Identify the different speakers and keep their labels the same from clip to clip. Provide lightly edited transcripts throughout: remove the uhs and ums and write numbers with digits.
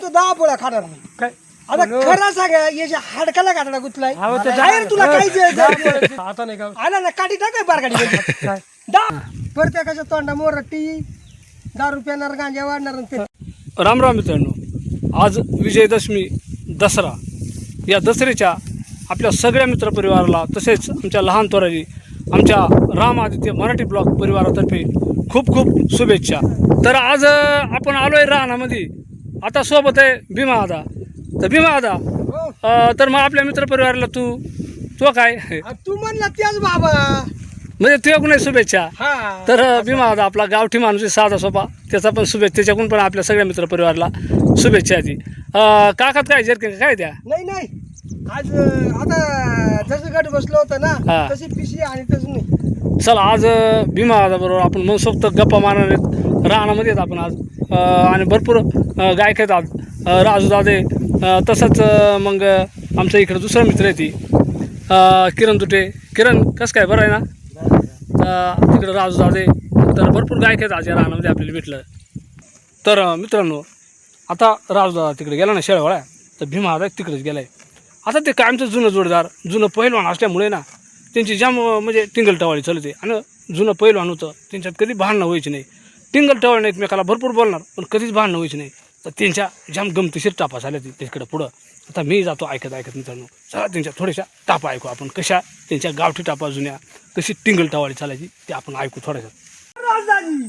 Speaker 1: म्हणतो 10 पोळ्या खाणार नाही.
Speaker 2: काय
Speaker 1: आता खरं सांगा याच्या हाडकाला गाठडा गुतलाय.
Speaker 2: अहो, ते
Speaker 1: बाहेर तुला काही
Speaker 2: आता नाही का
Speaker 1: आला ना काठी टाकाय बारगाडी
Speaker 2: काय
Speaker 1: प्रत्येकाच्या तोंडा मोरटी 10 रुपयावर गांजा वाढणार आणि ते
Speaker 3: राम राम मित्रांनो, आज विजयदशमी दसरा. या दसऱ्याच्या आपल्या सगळ्या मित्रपरिवाराला तसेच आमच्या लहान तोराजी आमच्या राम आदित्य मराठी ब्लॉग परिवारातर्फे खूप खूप शुभेच्छा. तर आज आपण आलो आहे रानामध्ये. आता सोबत आहे भीमा दादा. तर भीमा दादा, तर मग आपल्या मित्रपरिवाराला तू काय
Speaker 1: तू म्हणला त्याच बाबा
Speaker 3: म्हणजे तुझ्या नाही शुभेच्छा.
Speaker 1: हा
Speaker 3: तर भीमा दादा आपला गावठी माणूस आहे, साधा सोपा, त्याचा पण शुभेच्छा, त्याच्याकडून पण आपल्या सगळ्या मित्रपरिवाराला शुभेच्छा ती. काकात काय जर्किन काय द्या
Speaker 1: नाही आज आता जसं गट बसलो होतं
Speaker 3: हा.
Speaker 1: ना तशी पिशी आणि तसं नाही.
Speaker 3: चला आज भीमा दादा बरोबर आपण मनसोक्त गप्पा मारणार आहेत. रानामध्ये आहेत आपण आज आणि भरपूर गायक आहेत आज. राजू दादे, तसंच मग आमच्या इकडं दुसरा मित्र आहे ती किरण तुटे. किरण कसं काय, बरं आहे ना? तिकडं राजू दादे, तर भरपूर गायक आहेत आज या रानामध्ये आपल्याला भेटलं. तर मित्रांनो, आता राजू दादा तिकडे गेला ना शेळवळ्या, तर भीमा दादा तिकडेच गेला आहे. आता ते कायमचं जुनं जोडदार, जुनं पहिलवान असल्यामुळे ना त्यांची जाम म्हणजे टिंगल टवाळी चालते. आणि जुनं पहिलवान होतं, त्यांच्यात कधी भांडणं व्हायची नाही. टिंगल टवाळीने एकमेकाला भरपूर बोलणार पण कधीच भांडणं व्हायची नाही. तर त्यांच्या जाम गमतीशीर टापा झाल्या तिकडं पुढं. आता मी जातो ऐकत मित्रांनो, चला त्यांच्या थोड्याशा टापा ऐकू आपण, कशा त्यांच्या गावठी टापा जुन्या, कशी टिंगल टवाळी चालायची ते आपण ऐकू थोड्याशा.
Speaker 1: राजदाजी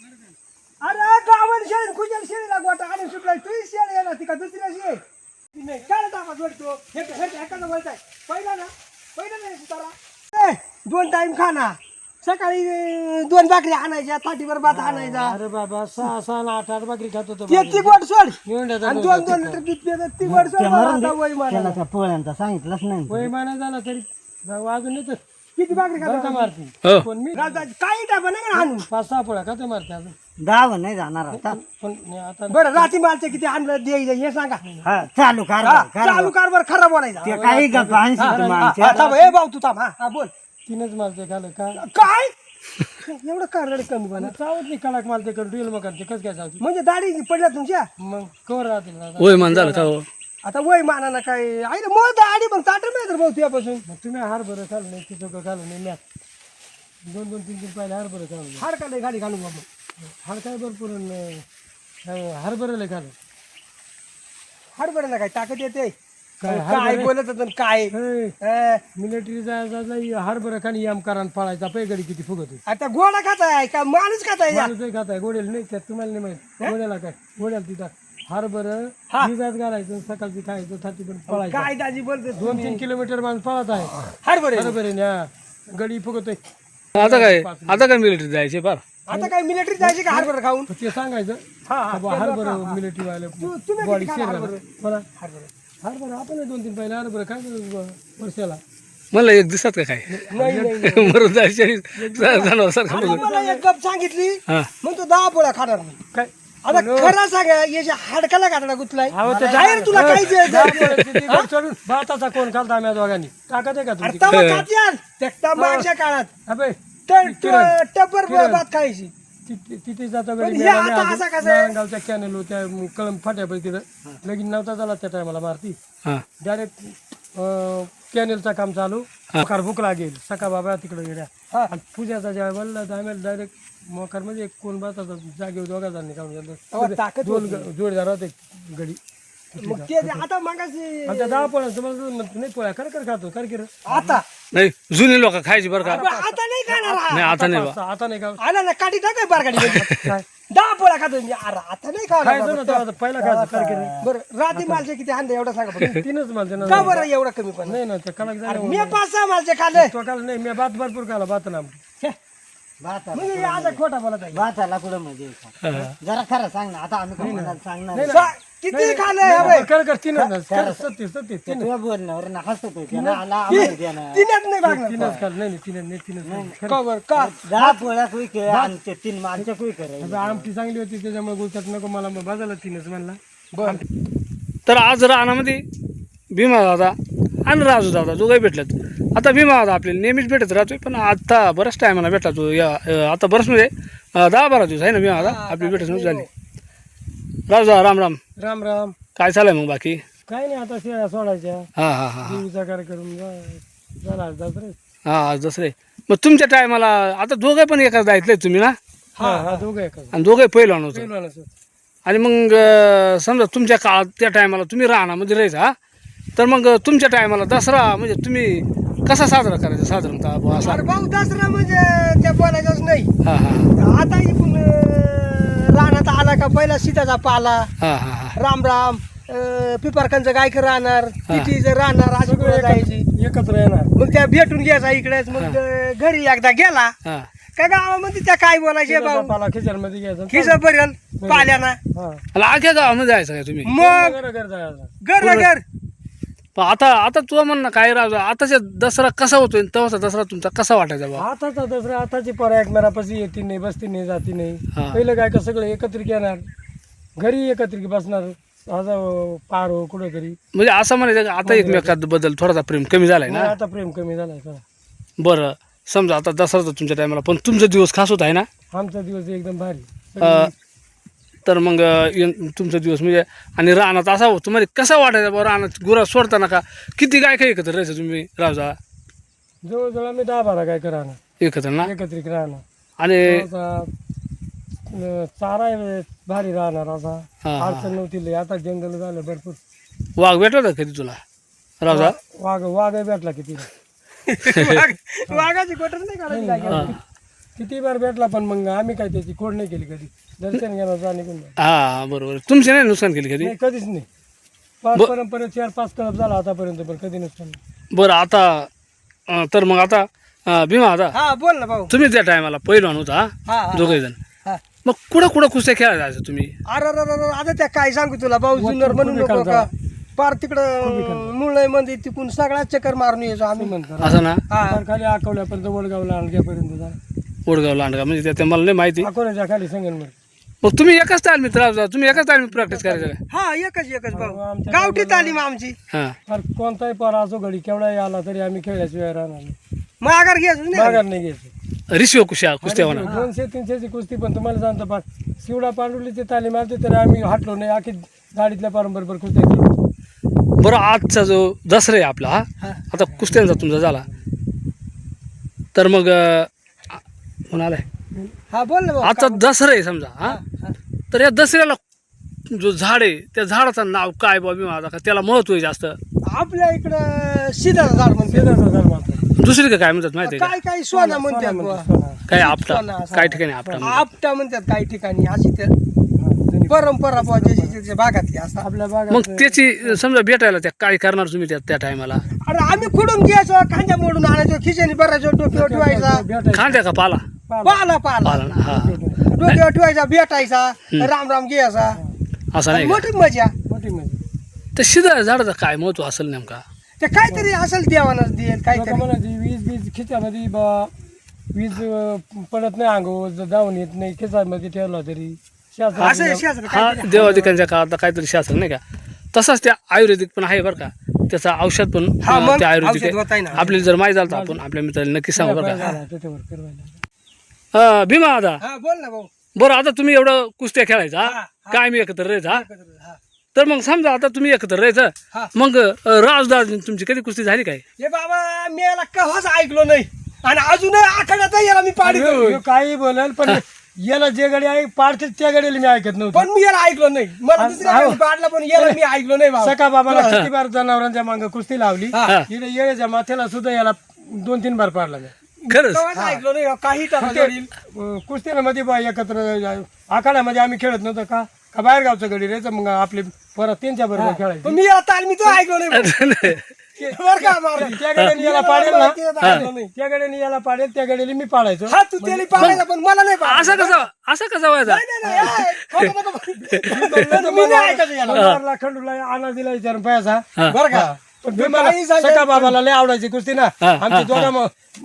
Speaker 1: अरे गावन शेळी खुजल शेळीला गोटा आणि सुटलाय तू शेळी आहे ना ती का दुसऱ्याची आहे ती नाही काय टाका जोडतो हे एखादा बोलताय पहिला नाही सुतारा 2 टाइम खाना सकाळी 2 भाकरी आणायच्या ताटीवर भात आणायचा.
Speaker 2: अरे बाबा 6 8 भाकरी खात होतो.
Speaker 1: ती गोड सोड
Speaker 2: एवढ्या
Speaker 1: आणि 2 लिटर दूध पितात ती गोड सोड आता वय मारा.
Speaker 4: त्या पोळ्यांचा सांगितलंच नाही.
Speaker 2: वय महिना झाला तरी वाजून येतो.
Speaker 1: किती भाकरी खाता
Speaker 2: मारते
Speaker 3: हो
Speaker 2: पण मी
Speaker 1: राजदाजी काही टाका नाही आणून
Speaker 2: 5-6 पोळ्या खातो मारते अजून.
Speaker 4: 10 नाही जाणार आता.
Speaker 2: पण आता
Speaker 1: बरं रात्री मालचे किती आणलं द्यायचं हे सांगा.
Speaker 4: हा, चालू कर
Speaker 1: हा, चालू कारभार खरा बोलायचा.
Speaker 4: ते काही गप्पा आणशील
Speaker 1: हा,
Speaker 4: तुम्हाला.
Speaker 1: थांब, ए भाऊ तू थांब. हा बोल
Speaker 2: 3च मारते खालं का
Speaker 1: काय एवढं कारड कमी बना
Speaker 2: चावत नाही कडाक मारते कर ड्रिल मग करते कसं काय चावते
Speaker 1: म्हणजे दाढी पडल्या तुमच्या
Speaker 2: मग कवर राहतील दादा.
Speaker 3: होय मान झालं का हो?
Speaker 1: आता वय मानाना काय आहे ना मग दाढी मग ताट मिळत भाऊ तुझ्यापासून.
Speaker 2: मग तुम्ही हरभरं खाल्लं नाही तिथं खाल्लं नाही मॅच 2-3 पाहिजे हरभरं खाल्लं नाही.
Speaker 1: हाड का गाडी घालून बाबा
Speaker 2: हाड काय भरपूर हरभरं लय खाल्लं.
Speaker 1: हाड बरं काय ताकद येते
Speaker 2: काय
Speaker 1: काय बोलत होतं आणि काय
Speaker 2: मिलिटरी जायचा हरभरं खाली याम करा पळायचा पैगडी किती फुगत होती.
Speaker 1: आता गोडा खाताय का माणूस खाताय
Speaker 2: माणूसही खाताय गोड्याला नाही त्यात तुम्हाला नाही माहित गोड्याला काय गोड्याला तिथं हरभरं भिजात घालायचं सकाळची खायचं थाटी पण पळायचं.
Speaker 1: काय दाजी बोलते
Speaker 2: 2-3 किलोमीटर माणूस पळत आहे
Speaker 1: हाड बरं
Speaker 2: हरभरे गडी फुगतोय.
Speaker 3: आता काय मिलिटरी जायचे फार.
Speaker 1: आता काय मिलिटरी जायचे का हाड खाऊन.
Speaker 2: ते सांगायचं हरभरं मिलिटरी वाले
Speaker 1: तुम्ही
Speaker 2: बॉडी
Speaker 1: किती
Speaker 2: शेअर
Speaker 1: खाता हरभरं?
Speaker 2: मला हरभरं आपण 2-3 पहिले हरभरं काय वर्षाला
Speaker 3: मला एक दिसत का काय
Speaker 1: नाही
Speaker 3: मरून जायचे जनावर सारखं
Speaker 1: आता
Speaker 3: बघून.
Speaker 1: मला एक गप सांगितली
Speaker 3: हा
Speaker 1: म्हणतो 10 पोळ्या खाणार नाही.
Speaker 2: काय
Speaker 1: आता खरं सांगा याच्या हाडकाला गाठडा गुतलाय.
Speaker 2: अहो, ते
Speaker 1: बाहेर तुला काही
Speaker 2: चढून भाताचा कोण खालता आम्ही दोघांनी ताकद आहे का तुमची
Speaker 1: त्या मागच्या काळात
Speaker 2: अबे
Speaker 1: टपर भात खायची.
Speaker 2: तिथे जातो
Speaker 1: पण हे आता असा कसं आहे?
Speaker 2: नारायणगावच्या कॅनेल त्या कळम फाट्यापैकी तिथं लगीन नव्हता झाला त्या टायमाला मारती
Speaker 3: हां
Speaker 2: डायरेक्ट कॅनेलचं काम चालू मोकार भूक लागेल सका बाबा तिकडे गेल्या आणि पूजाचा जेव्हा बोलला तर आम्ही डायरेक्ट मोकार म्हणजे कोण भाताचा जागेवर दोघा जणांनी
Speaker 1: तेव्हा
Speaker 2: काढून
Speaker 1: ताकद
Speaker 2: दोन जोडदार होते गडी
Speaker 1: मग ते आता मागाशी
Speaker 2: आणि त्या 10 पोळ्या तुम्हाला नाही पोळ्या कर खातो कर की रे.
Speaker 1: आता
Speaker 3: नाही जुनी लोक खायची बरं का.
Speaker 1: आता नाही खाणार हा.
Speaker 3: नाही आता नाही बा.
Speaker 2: आता नाही का
Speaker 1: आला ना काठी टाकाय बारगाडी
Speaker 2: काय
Speaker 1: 10 पोळ्या खातो मी. अरे आता नाही खाणार
Speaker 2: खायचं ना
Speaker 1: बाबा.
Speaker 2: आता पहिला खायचं कर की रे.
Speaker 1: बरं रात्री मालचे किती हांडे एवढा सांगा बरं.
Speaker 2: 3च मालते ना
Speaker 1: का बरं एवढं कमी पण
Speaker 2: नाही ना त्या कलाक झालं
Speaker 1: मी 5-6 मालचे खाल्ले.
Speaker 2: तो काल नाही मी भात भरपूर खाला भात ना
Speaker 1: मग हे आता खोटा बोलत आहे.
Speaker 4: भाताला कुठं मध्ये जरा खरं सांग ना. आता आम्ही काय म्हणाल सांगणार.
Speaker 1: किती खाल्ले
Speaker 2: कर 3
Speaker 4: तुझ्या बोलण्यावर ना हसत होते ना. आला आम्हाला द्या ना.
Speaker 1: तिन्यात नाही भागणार.
Speaker 2: 3च खाल नाही 3च
Speaker 1: का बरं का
Speaker 4: 10 पोळ्या कुई कर आणि ते 3 माणसं कुई करायचं.
Speaker 2: आमटी चांगली होती त्याच्यामुळे गुलचाट नको मला बाजाला 3च म्हणला.
Speaker 3: तर आज रानामध्ये भीमा दादा आणि राजू दादा दोघंही भेटलेत. आता भीमा दादा आपल्याला नेहमीच भेटत राहतोय पण आता बऱ्याच टायमाला भेटला तो. या आता बरंच म्हणजे 10-12 दिवस आहे ना भीमा दादा आपली भेटच झाली. राजा राम राम.
Speaker 2: राम राम.
Speaker 3: काय चाललंय मग बाकी?
Speaker 2: काय नाही, आता शेळ्या सोडायच्या,
Speaker 3: हा हा हा
Speaker 2: देवीचा कार्यक्रम झाला दसरे.
Speaker 3: हा दसरे. मग तुमच्या टायमाला आता दोघे पण एकाच जायचंय तुम्ही ना?
Speaker 2: हा दोघं एका
Speaker 3: आणि दोघे पहिलवान होतं.
Speaker 2: पहिलवानाचं.
Speaker 3: आणि मग समजा तुमच्या काळात त्या टायमाला तुम्ही रानामध्ये राहायचा हा? तर मग तुमच्या टायमाला दसरा म्हणजे तुम्ही कसा साजरा करायचा साधारणतः बुवा असा?
Speaker 1: अरे भाऊ दसरा म्हणजे त्या बोलायचंच नाही.
Speaker 3: हा हा
Speaker 1: आता इकडून रानात आला का पहिला सीताचा पाला,
Speaker 3: हा हा हा
Speaker 1: राम राम, पिपारकांचं गायक राहणार, पिठीचं राहणार, अशी
Speaker 2: सगळे
Speaker 1: वेळ जायची.
Speaker 2: एकत्र येणार.
Speaker 1: मग त्या भेटून घ्यायचा इकडेच. मग घरी एकदा गेला
Speaker 3: हा.
Speaker 1: का गावामध्ये त्या काय बोलायचे भाऊ,
Speaker 2: पाला खिचडमध्ये घ्यायचा.
Speaker 1: खिसा पर्यंत पाल्याना.
Speaker 2: हा.
Speaker 3: आणि आख्या गावामध्ये जायचं काय तुम्ही?
Speaker 1: मग
Speaker 2: घर जायचा.
Speaker 1: घर घर
Speaker 3: पण आता तुझं म्हणणं काय राजा, आताच्या दसरा कसा होतोय तेव्हाचा दसरा तुमचा कसा वाटायचा बा?
Speaker 2: आताचा दसरा, आताची पोरं एकमेकापाशी येती नाही, बसती नाही, जाती नाही.
Speaker 3: हा.
Speaker 2: पहिलं काय का सगळं एकत्रित येणार, घरी एकत्रित बसणार, आता पार हो कुठेतरी.
Speaker 3: म्हणजे असं म्हणायचं का आता एकमेकात बद्दल थोडासा प्रेम कमी झालाय ना?
Speaker 2: आता प्रेम कमी झालाय सगळा.
Speaker 3: बरं समजा आता दसरा तर तुमच्या टायमाला, पण तुमचा दिवस खास होत आहे ना?
Speaker 2: आमचा दिवस एकदम भारी.
Speaker 3: तर मग तुमचा दिवस म्हणजे आणि रानात असा होतो तुम्हाला कसा वाटायचा बा रानात गुरा सोडताना का? किती काय काय एकत्र राहायचं तुम्ही राजा?
Speaker 2: जवळजवळ आम्ही 10-12 काय राहणार
Speaker 3: एकत्र ना?
Speaker 2: एकत्रित राहणार.
Speaker 3: आणि
Speaker 2: चारा भारी राहणार. असा
Speaker 3: हा, हा.
Speaker 2: अडचण नव्हती लय. आता जंगल झालं भरपूर.
Speaker 3: वाघ भेटला होता कधी तुला राजा?
Speaker 2: वाघ भेटला किती.
Speaker 1: वाघाची कोटर नाही काढायची काय
Speaker 3: हा
Speaker 2: किती बार भेटला, पण मग आम्ही काय त्याची खोड नाही केली कधी. दर्शन घेणार जा निघून जा.
Speaker 3: हा बरोबर. तुमचे नाही नुकसान केली कधी?
Speaker 2: नाही, कधीच नाही. परंपरा 4-5 कलप झाला आतापर्यंत, पण कधी नुकसान नाही.
Speaker 3: बरं आता तर मग आता भीमा आता
Speaker 1: हा बोल ना भाऊ.
Speaker 3: तुम्ही त्या टायमाला पहिलवान होता
Speaker 1: हा, हा.
Speaker 3: दोघे जण.
Speaker 1: हा.
Speaker 3: मग कुठं कुस्त्या खेळायला जायचं तुम्ही?
Speaker 1: अरे आता त्या काय सांगू तुला भाऊ, जुन्नर म्हणून नको का पार तिकडं मुळई मध्ये तिकून सगळा चक्कर मारून यायचो आम्ही.
Speaker 2: म्हणतो
Speaker 3: असं ना?
Speaker 1: हा.
Speaker 2: खाली अकोल्यापर्यंत, वडगावला आणल्यापर्यंत जा.
Speaker 3: ओडगाव लांडगा म्हणजे त्या मला नाही माहिती.
Speaker 2: अकोल्याच्या खाली संगनमध्ये.
Speaker 3: मग तुम्ही एकाच तालमीत राहता, तुम्ही एकाच तालमीत प्रॅक्टिस करायचं का?
Speaker 1: हा एकच भाऊ,
Speaker 2: आमच्या
Speaker 1: गावठी तालीम आमची.
Speaker 3: हां
Speaker 2: फार कोणताही पार असो घडी केवढाही आला तरी आम्ही खेळायची वेळ राहणार नाही.
Speaker 1: माघार घ्यायचो नाही.
Speaker 2: माघार नाही घ्यायची.
Speaker 3: रिशिव कुस्त्या होणार.
Speaker 2: 200-300ची कुस्ती, पण तुम्हाला सांगतो पार शिवडा पांडुलीची तालीम आली तरी आम्ही हटलो नाही. आखी गाडीतल्या बरोबर कुस्त्या केली.
Speaker 3: बरं आजचा जो दसरा आहे आपला हा आता कुस्त्यांचा तुमचा झाला तर मग म्हणालाय
Speaker 1: हा बोल ना भाऊ.
Speaker 3: आजचा दसरा आहे समजा हा, तर या दसऱ्याला जो झाड आहे त्या झाडाचं नाव काय बाबी माझा का त्याला महत्व आहे जास्त?
Speaker 1: आपल्या इकडं सीताचं झाड म्हणते.
Speaker 2: शेजारचा झाड मारतो.
Speaker 3: दुसरी काय म्हणतात माहिती आहे
Speaker 1: काय काय सोना म्हणतात बुवा.
Speaker 2: सोना.
Speaker 3: का? काय आपटा,
Speaker 1: सोना असं.
Speaker 3: काही ठिकाणी आपटा म्हणतात.
Speaker 1: आपटा म्हणतात काही ठिकाणी. अशी तर परंपरा बुवा ज्याच्या भागातली असतात.
Speaker 2: आपल्या
Speaker 3: मग
Speaker 2: भागात
Speaker 3: त्याची समजा भेटायला त्या काय करणार तुम्ही त्या टायमाला?
Speaker 1: अरे आम्ही खुडून घ्यायचो, खांद्या मोडून आणायचो, खिचणी भरायचो, डोक्यावर ठेवायचा.
Speaker 2: भेटायचं.
Speaker 3: खांद्या का पाला?
Speaker 1: पाला पाला
Speaker 3: पाला ना हा.
Speaker 1: डोक्यावर ठेवायचा, भेटायचा, राम राम घ्यायचा.
Speaker 3: असं नाही का?
Speaker 1: मोठी मजा.
Speaker 2: मोठी म्हणजे
Speaker 3: त्या शिदा झाडाचं काय महत्व असेल नेमका?
Speaker 1: ते काहीतरी असेल देवानच देईल
Speaker 2: लोकं
Speaker 1: काहीतरी.
Speaker 2: म्हणायची वीज खिच्यामध्ये बा वीज पडत नाही, अंगावर जाऊन येत नाही, खिचामध्ये ठेवला तरी शास्त्र
Speaker 1: असं शास्त्र
Speaker 3: हा
Speaker 1: काहीतरी.
Speaker 3: देवाधिकांच्या काळात काहीतरी शास्त्र नाही का? तसंच त्या आयुर्वेदिक पण आहे बरं का, त्याचा औषध पण
Speaker 1: हा, मग
Speaker 3: त्या आयुर्वेदिक
Speaker 1: औषध
Speaker 3: आहे.
Speaker 1: होतंय ना.
Speaker 3: आपल्याला जर माहीत झालं तर आपण आपल्या मित्राला नक्की सांगू बरं का.
Speaker 2: त्याच्यावर फिरवायला.
Speaker 3: भीमा आता
Speaker 1: हा बोल ना भाऊ.
Speaker 3: बरं आता तुम्ही एवढं कुस्त्या खेळायचा
Speaker 1: हा, हा.
Speaker 3: काय मी एकत्र राहायचा हा?
Speaker 1: हा.
Speaker 3: तर मग समजा आता तुम्ही एकत्र राहायचं
Speaker 1: हा.
Speaker 3: मग राजदास तुमची कधी कुस्ती झाली काय?
Speaker 1: हे बाबा मी याला कव्हाच ऐकलो नाही आणि अजूनही आखाड्यात याला मी पाडी
Speaker 2: ह्यो काही बोलेल, पण याला जे गाडी आहे पाडते त्या गाडीला मी ऐकत नव्हतं.
Speaker 1: पण मी याला ऐकलो नाही. मला दुसऱ्या
Speaker 2: हा.
Speaker 1: गाडी पाडला पण याला मी ऐकलो नाही बाबा.
Speaker 2: सका बाबाला किती बार जनावरांच्या मागे कुस्ती लावली.
Speaker 1: हा.
Speaker 2: इकडे येळेच्या माथ्याला सुद्धा याला 2-3 बार पाडला मी.
Speaker 3: खरंच
Speaker 1: कव्हाच ऐकलो नाही काही टाकायला.
Speaker 2: कुस्त्यांमध्ये बा एकत्र आखाड्यामध्ये आम्ही खेळत नव्हतं का बाहेर गावचं गडी राहायचं, मग आपले परत त्यांच्या बरोबर खेळायचं.
Speaker 1: पण मी याला तालमीच ऐकलो नाही भाऊ. बरं का मारुती?
Speaker 2: त्या गाड्याने याला पाडेल ना,
Speaker 1: ऐकलो नाही.
Speaker 2: त्या गाड्याने याला पाडेल, त्या गाडीला मी पाडायचो.
Speaker 1: हा तू त्याला पाडायचा पण मला नाही पाडायचा.
Speaker 3: असं कसा व्हायचा?
Speaker 1: नाही, नाही, खोटं नको बोलू. मी नाही ऐकायचं याला.
Speaker 2: खंडूला खंडूला अनाज दिला विचारून पैसा.
Speaker 1: बरं का?
Speaker 2: पण भीमाला सका बाबाला लय आवडायची कुस्ती ना. आमची दोघं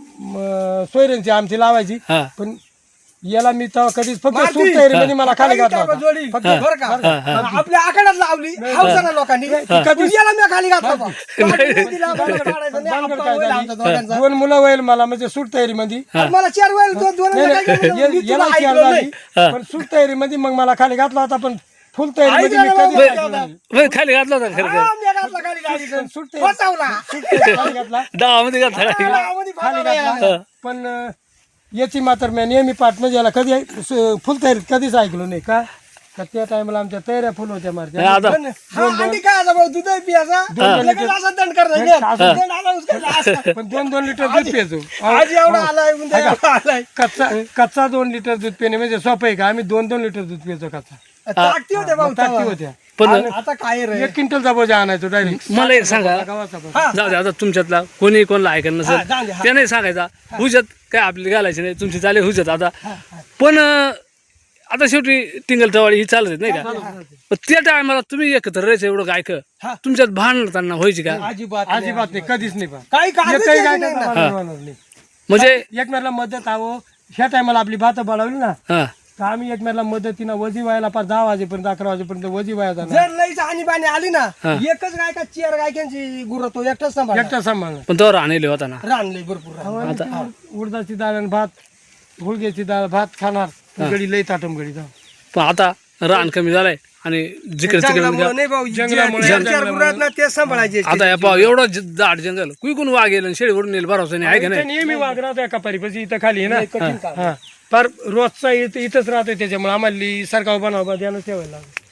Speaker 2: सोयऱ्यांची आमची लावायची.
Speaker 3: हा.
Speaker 2: पण याला मी तेव्हा कधीच फक्त
Speaker 1: मारती.
Speaker 2: सूट तयारीमध्ये मला खाली
Speaker 1: काही
Speaker 2: घातला
Speaker 1: टाका
Speaker 2: होता.
Speaker 1: जोडी.
Speaker 2: फक्त
Speaker 1: बरं का? आपल्या आखाड्यात लावली हौसाना लोकांनी.
Speaker 2: कधीच-
Speaker 1: याला मी खाली घातला बा. दिला, मला काढायचं नाही.
Speaker 2: भानगड
Speaker 1: आपण
Speaker 2: काय
Speaker 1: होईल
Speaker 2: झाली?
Speaker 1: आमच्या दोघांचा.
Speaker 2: 2 मुलं वैल मला म्हणजे सूट तयारीमध्ये.
Speaker 1: आणि मला 4 वेळ दोन
Speaker 2: नाही,
Speaker 1: वेळा काय केलं? मी
Speaker 2: याला
Speaker 1: तुला
Speaker 2: चार
Speaker 1: ऐकलो
Speaker 2: झाली.
Speaker 1: नाही.
Speaker 2: पण सूट तयारीमध्ये मग मला खाली घातला होता. पण फुल तयारीमध्ये मी कधी ऐकलं नाही.
Speaker 3: होय, खाली घातला होता खरं
Speaker 1: हा, मी घातला खाली गाडीतून.
Speaker 2: सुट्टे
Speaker 1: फसवला.
Speaker 2: खाली घातला
Speaker 3: डावामध्ये घातला
Speaker 1: गावामध्ये
Speaker 2: खाली
Speaker 1: फसवला याला.
Speaker 2: घातला पण याची मात्र मी नेहमी पाठ म्हणजे याला कधी फुल तयारीत कधीच ऐकलो नाही का तर त्या टायमाला आमच्या तयाऱ्या फुल होत्या मारत्या
Speaker 3: नाही, आता
Speaker 1: पण हा, आणि काय आता भाऊ, दूधही पियाचा. लगेच असा दंड करायचा. दंड आला उचकायचा असा.
Speaker 2: पण 2-2 लिटर दूध प्यायचो
Speaker 1: आज एवढा आलाय उद्या एवढा आलाय.
Speaker 2: कच्चा 2 लिटर दूध पिणे म्हणजे सोपं आहे का आम्ही 2-2 लिटर दूध प्यायचो कच्चा
Speaker 1: ताकती होते भाऊ
Speaker 2: टाकी
Speaker 1: तेव्हा.
Speaker 2: होत्या
Speaker 3: पण
Speaker 1: आता काय रे
Speaker 2: 1 क्विंटलचा बोजा आणायचो डायरेक्ट
Speaker 3: मला एक सांगा,
Speaker 2: गावाचा बोजा.
Speaker 1: हा.
Speaker 3: जाऊ दे आता तुमच्यातला कोणी कोणाला ऐकायला
Speaker 1: हा,
Speaker 3: नसेल
Speaker 1: जाऊ दे, हा.
Speaker 3: ते नाही सांगायचा हुजत काय आपली घालायची नाही तुमची चालेल हुजत आता पण आता शेवटी टिंगल टवाळी ही चालत आहेत, नाही का पण त्या टायमाला तुम्ही एकत्र राहायचं एवढं गायक
Speaker 1: हा.
Speaker 3: तुमच्यात भांडताना व्हायची का
Speaker 1: अजिबात
Speaker 2: अजिबात नाही कधीच नाही पण
Speaker 1: काही काळजीच
Speaker 2: एकही
Speaker 1: घ्यायची
Speaker 2: गाय
Speaker 1: नाही ना.
Speaker 2: भांडण होणार नाही
Speaker 3: म्हणजे
Speaker 2: एकमेकाला मदत हवं ह्या टायमाला आपली भात बळावली ना
Speaker 3: हा
Speaker 2: तर आम्ही एकमेकाला मदतीनं वजी व्हायला पार 10 वाजेपर्यंत 11 वाजेपर्यंत वजी व्हायचा ना
Speaker 1: जर लईच आणि बाणी आली ना एकच गाय का 4 गायकांची गुरं तो एकटाच सांभाळ
Speaker 2: एकटा सांभाळणार
Speaker 3: पण तो राहणे होता ना
Speaker 1: रानले भरपूर रान.
Speaker 2: उडदाची डाळ आणि भात गुळग्याची डाळ भात खाणार गडी लई ताटम गडी जाऊ
Speaker 3: पण आता रान कमी झालंय आणि जिकडे तिकडे
Speaker 1: जंगलामुळं नाही भाऊ
Speaker 2: जंगलामुळे-
Speaker 1: जे 4 गुरं आहेत ना ते सांभाळायचे.
Speaker 3: आता या पाव एवढं दाट जंगल कुई कोण वाघ गेलं शेळीवरून नेल भरोसा नाही आहे का
Speaker 2: इथं
Speaker 3: नाही
Speaker 2: नेहमी वाघ राहतो एका पारीपाशी इथं खाली आहे
Speaker 1: कठीण
Speaker 2: ना
Speaker 1: काम.
Speaker 2: हा फार रोजचा इथंच राहतोय त्याच्यामुळे आम्हाला सरकार बनावा ध्यानच ठेवायला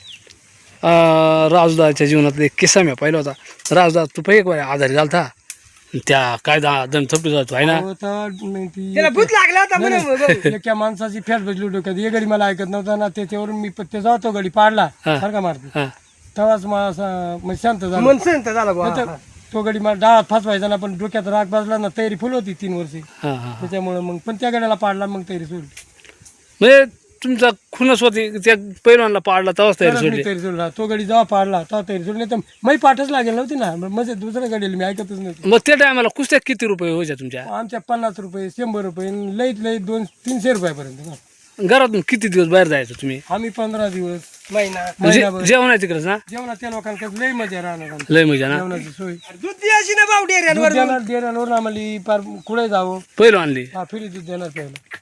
Speaker 2: लागलं.
Speaker 3: राजदाच्या जीवनातला एक किस्सा मी पाहिला होता. राजदा तू पाहिजे का आजारी झालता त्या काय दम थपली जातो आहे ना
Speaker 2: अहो, तर मग ती
Speaker 1: त्याला भूत लागला होता म्हणून भाऊ.
Speaker 2: एका माणसाची फॅट बसली डोक्यात ये गडी मला ऐकत नव्हता ना त्याच्यावरून मी ते जातो गडी पाडला
Speaker 3: हा.
Speaker 2: सारखा मारतो
Speaker 3: हा
Speaker 2: तेव्हाच मला असं म्हणजे शांत झालं
Speaker 1: मन संत झाला भाऊ.
Speaker 2: नाहीतर तो गडी मला डाळात फसवायचा ना पण डोक्यात राग बसला ना तयारी फुल होती 3 वर्षी
Speaker 3: हा हा
Speaker 2: त्याच्यामुळे मग पण त्या गड्याला पाडला मग तयारी सोडली
Speaker 3: म्हणजे तुमचा खुनस होती त्या पैलवानला पाडला तेव्हाच तयारी
Speaker 2: तरच मी
Speaker 3: सोडली
Speaker 2: तयारी सोडला तो गडी जेव्हा पाडला तेव्हा तयारी सोडली नाही तर मी पाठच लागेल नव्हती ना म्हणजे दुसऱ्या गडीला मी ऐकतच नव्हती
Speaker 3: मग त्या टायमाला कुस्त्या किती रुपये व्हायच्या तुमच्या
Speaker 2: आमच्या 50 रुपये 100 रुपये लईत लईत 200-300 रुपयापर्यंत ना.
Speaker 3: घरातून किती दिवस बाहेर जायचं तुम्ही
Speaker 2: आम्ही 15 दिवस
Speaker 1: महिना
Speaker 2: महिनाभर
Speaker 3: जेवण आहे तिकडेच ना
Speaker 2: जेवणात त्या लोकांकडे लई मजा राहणार आमची.
Speaker 3: लय मजा ना
Speaker 2: जेवणाची सोय
Speaker 1: दूध द्यायची ना भाऊ डेऱ्यांवर.
Speaker 2: देण्यावर आम्हाला पार कुठे जावं
Speaker 3: पहिलं आणली
Speaker 2: हा फिरी दूध देणार प्यायला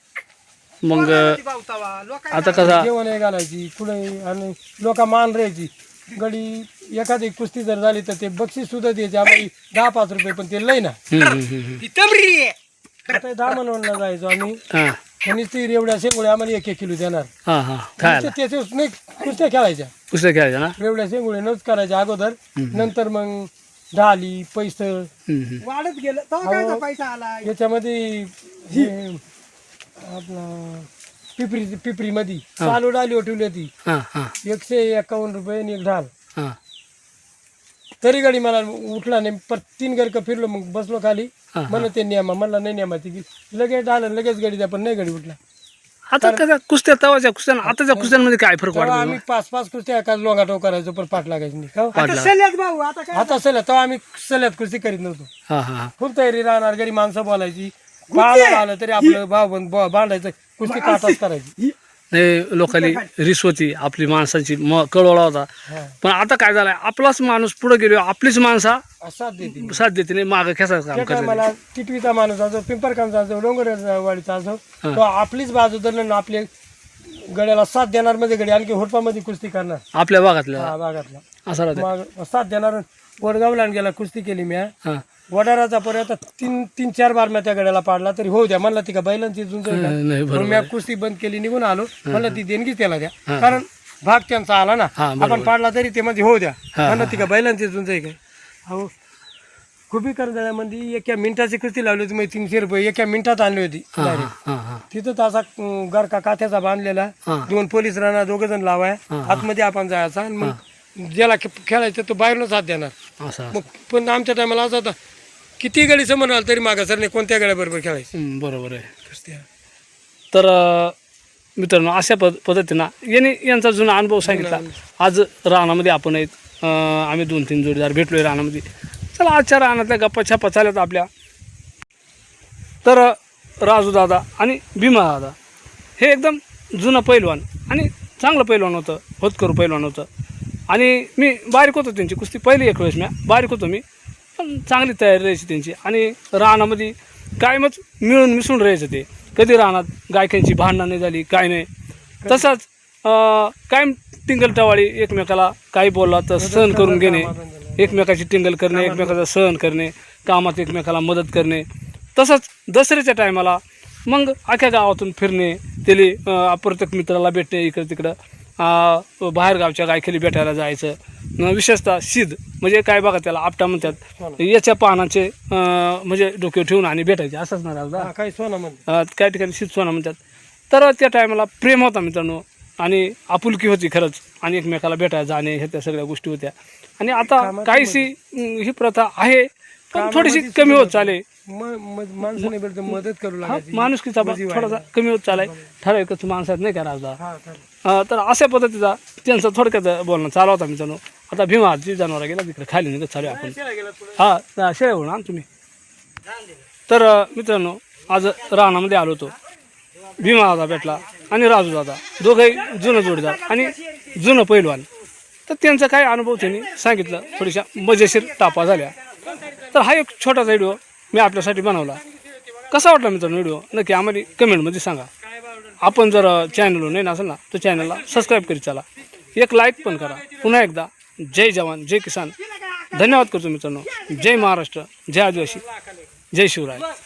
Speaker 3: मग
Speaker 1: भाऊ तवा. लोकांना
Speaker 3: आता कसा
Speaker 2: जेवण हे घालायची कुठे आणि लोक मान राहायची गडी एखादी कुस्ती जर झाली तर ते बक्षीस सुद्धा द्यायचे आम्हाला 10-5 रुपये पण ते लई ना
Speaker 1: ती तमरी आहे.
Speaker 2: आता 10 मनवणला जायचो आम्ही
Speaker 3: हा
Speaker 2: आणि ती रेवड्या शेंगोळ्या आम्हाला 1-1 किलो देणार
Speaker 3: हा हा खायला
Speaker 2: त्याचे नाही कुस्त्या खेळायच्या
Speaker 3: कुस्त्या खेळायच्या ना
Speaker 2: रेवड्या शेंगोळ्या नच करायच्या अगोदर नंतर मग ढाली पैसं
Speaker 1: वाढत गेलं तेव्हा काय पैसा आला.
Speaker 2: याच्यामध्ये हे आपला पिपरी मध्ये चालू डाली ठेवली होती
Speaker 3: हा हा
Speaker 2: 151 रुपये आणि 1 ढाल
Speaker 3: हा
Speaker 2: तरी गाडी मला उठला नाही पर 3 गरक फिरलो मग बसलो खाली म्हणलं ते नियमा म्हणला नाही नियमाची की लगेच ढाल लगेच गाडी द्या पण नाही गाडी उठला
Speaker 3: आता कसा कुस्त्या तवाच्या कुस्त्या आताच्या कुस्त्यांमध्ये काय फरक
Speaker 2: तेव्हा
Speaker 3: वाटतो
Speaker 2: आम्ही 5-5 कुस्त्या एकाच लोंगाटो करायचो पण पाठ लागायची नाही का
Speaker 1: आता सल्ल्यात भाऊ आता काय
Speaker 2: आता सलत तेव्हा आम्ही सलत कुस्ती करीत नव्हतो
Speaker 3: हा हा
Speaker 2: फुल तयारी राहणार घरी माणसं बोलायची बाळाला आलं तरी आपलं भाऊ बांधायचं कुस्ती काटाच करायची
Speaker 3: नाही लोकांनी रिस होती आपली माणसाची कळवळा होता पण आता काय झालंय आपलाच माणूस पुढे गेलो आपलीच माणसा
Speaker 2: साथ देते
Speaker 3: साथ देते नाही मागं खेसायचं काम
Speaker 2: त्या
Speaker 3: करते
Speaker 2: टायमाला टिटवीचा माणूस असो पिंपरकांचा असो डोंगरवाडीचा असो तो आपलीच बाजू धरलं ना आपल्या गड्याला साथ देणार म्हणजे गडी आणखी होटपामध्ये कुस्ती करणार
Speaker 3: आपल्या भागातल्या
Speaker 2: हा भागातला
Speaker 3: असं राहते
Speaker 2: मग साथ देणार वडगावला गेला कुस्ती केली मी
Speaker 3: हा
Speaker 2: वडाराचा पर्यंत 3-4 बार मी त्या गड्याला पाडला तरी होऊ द्या म्हणला ती का बैलांची झुंज आहे का?
Speaker 3: नाही
Speaker 2: मग
Speaker 3: बरोबर
Speaker 2: मी कुस्ती बंद केली निघून आलो म्हणलं ती देणगी त्याला द्या कारण भाग त्यांचा आला ना
Speaker 3: हा,
Speaker 2: आपण पाडला तरी ते मध्ये होऊ द्या म्हणलं ती का बैलांची झुंज आहे काय हो खुबी करंजाळ्यामध्ये 1 मिनिटाची कुस्ती लावली होती मग 300 रुपये 1 मिनिटात आणली होती डायरेक्ट
Speaker 3: हा हा
Speaker 2: तिथं असा गरका काथ्याचा बांधलेला 2 पोलीस राहणार 2 जण लावाय आतमध्ये आपण जायचा आणि मग ज्याला खेळायचं तो बाहेरनच हात देणार
Speaker 3: असं
Speaker 2: मग पण आमच्या टायमाला असं होता किती गडी समोर आला तरी मागा सरने कोणत्या गड्याबरोबर खेळायचं
Speaker 3: बरोबर आहे तर मित्रांनो अशा पद्धतीनं यांचा जुना अनुभव सांगितला आज रानामध्ये आपण आहेत आम्ही 2-3 जोडीदार भेटलोय रानामध्ये चला आजच्या रानातल्या गप्पा छप्पा चालत आपल्या तर राजू दादा आणि भीमा दादा हे एकदम जुनं पैलवान आणि चांगलं पैलवान होतं होतकरू पैलवान होतं आणि मी बारीक होतो त्यांची कुस्ती पहिली एक वेळेस मी बारीक होतो मी पण चांगली तयारी राहायची त्यांची आणि रानामध्ये कायमच मिळून मिसळून राहायचं ते कधी रानात गायकांची भांडणं नाही झाली काय नाही तसंच कायम टिंगल टवाळी, एकमेकाला काही बोलला तर सहन करून घेणे, एकमेकाची टिंगल करणे, एकमेकाचा सहन करणे, कामात एकमेकाला मदत करणे. तसंच दसऱ्याच्या टायमाला मग अख्ख्या गावातून फिरणे, त्याला अप्रत्येक मित्राला भेटणे, इकडं तिकडं बाहेरगावच्या गायखेली भेटायला जायचं. विशेषतः शीद म्हणजे काय बघा त्याला आपटा म्हणतात, याच्या पानाचे म्हणजे डोक्यावर ठेवून आणि भेटायचे असंच ना राजा.
Speaker 2: काही सोना म्हणते.
Speaker 3: काही ठिकाणी शीद सोना म्हणतात. तर त्या टायमाला प्रेम होता मित्रांनो आणि आपुलकी होती खरंच, आणि एकमेकाला भेटायला जाणे ह्या त्या सगळ्या गोष्टी होत्या. आणि आता काहीशी ही प्रथा आहे पण थोडीशी कमी होत चाले.
Speaker 2: माणसाने भेटते मदत करू लागायची.
Speaker 3: माणुसकीचा भाग थोडासा कमी होत चालाय, ठराविकच माणसात नाही का राजा.
Speaker 2: हा, चालेल.
Speaker 3: तर अशा पद्धतीचा त्यांचं थोडक्यात बोलणं चालू होता मित्रांनो. आता भीमाची जनावर गेला तिकडे खाली निघत चालू आहे आपण. हा शेळ्या होणार तुम्ही. तर मित्रांनो आज रानामध्ये आलो होतो. भीमा दादा भेटला आणि राजू दादा, दोघंही जुनं जोडीदार आणि जुनं पैलवान. तर त्यांचा काय अनुभव त्यांनी सांगितलं, थोड्याशा मजेशीर टापा झाल्या. तर हा एक छोटासा व्हिडिओ मी आपल्यासाठी बनवला. कसा वाटला मित्रांनो व्हिडिओ नक्की आम्हाला कमेंटमध्ये सांगा. आपण जर चॅनलवर नाही असेल ना तर चॅनलला सबस्क्राईब करीत चला, एक लाईक पण करा. पुन्हा एकदा जय जवान जय किसान, धन्यवाद करतो मित्रांनो. जय महाराष्ट्र, जय आदिवासी, जय शिवराय.